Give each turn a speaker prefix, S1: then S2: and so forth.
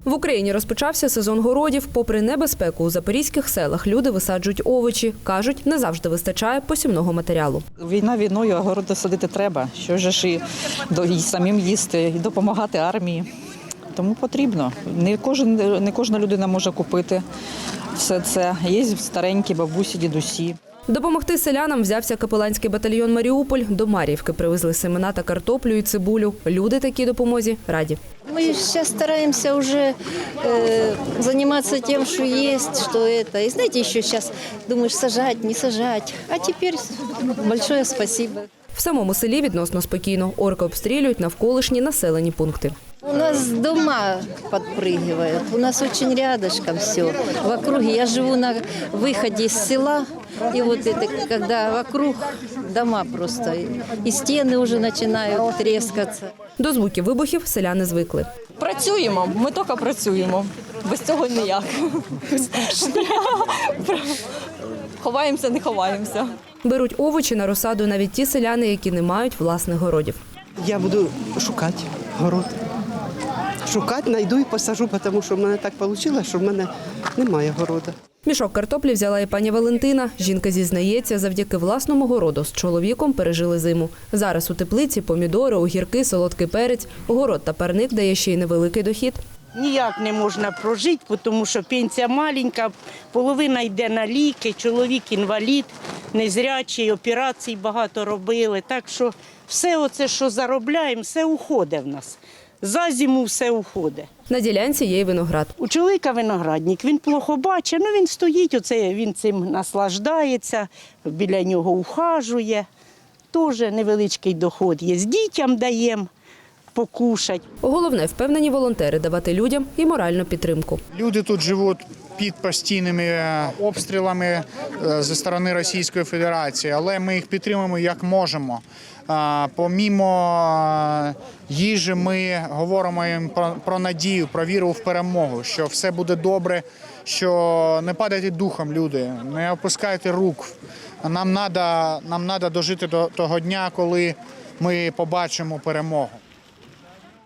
S1: В Україні розпочався сезон городів. Попри небезпеку, у запорізьких селах люди висаджують овочі. Кажуть, не завжди вистачає посівного матеріалу.
S2: Війна війною, а городи садити треба. Що ж і самим їсти, і допомагати армії. Тому потрібно. Не кожна людина може купити все це. Є старенькі бабусі, дідусі.
S1: Допомогти селянам взявся капеланський батальйон «Маріуполь». До Мар'ївки привезли семена та картоплю і цибулю. Люди такій допомозі раді.
S3: Мы сейчас стараемся уже заниматься тем, что есть, что это. И знаете, еще сейчас думаешь, сажать, не сажать. А теперь большое спасибо.
S1: В самому селі відносно спокійно. Орки обстрілюють навколишні населені пункти.
S3: У нас дома подпрыгивают, у нас очень рядышком все. В округе я живу на выходе из села, и вот это, когда вокруг дома просто, и стены уже начинают трескаться.
S1: До звуків вибухів селяни звикли.
S4: Працюємо, ми тільки працюємо. Без цього ніяк. Ховаємося, не ховаємося.
S1: Беруть овочі на розсаду навіть ті селяни, які не мають власних городів.
S5: Я буду шукати город. Шукати, знайду і посажу, тому що в мене так вийшло, що в мене немає городу.
S1: Мішок картоплі взяла і пані Валентина. Жінка зізнається, завдяки власному городу з чоловіком пережили зиму. Зараз у теплиці помідори, огірки, солодкий перець. Город та парник дає ще й невеликий дохід.
S6: Ніяк не можна прожити, тому що пенсія маленька, половина йде на ліки, чоловік інвалід, незрячий, операцій багато робили. Так що все оце, що заробляємо, все уходить в нас. За зиму все уходить.
S1: На ділянці є й виноград.
S6: У чоловіка виноградник, він плохо бачить, він стоїть, він цим наслаждається, біля нього ухажує. Теж невеличкий доход є. З дітям даємо покушать.
S1: Головне, впевнені волонтери, давати людям і моральну підтримку.
S7: Люди тут живуть під постійними обстрілами зі сторони Російської Федерації, але ми їх підтримуємо як можемо. Помімо їжі ми говоримо їм про надію, про віру в перемогу, що все буде добре, що не падайте духом, люди, не опускайте рук. Нам треба дожити до того дня, коли ми побачимо перемогу.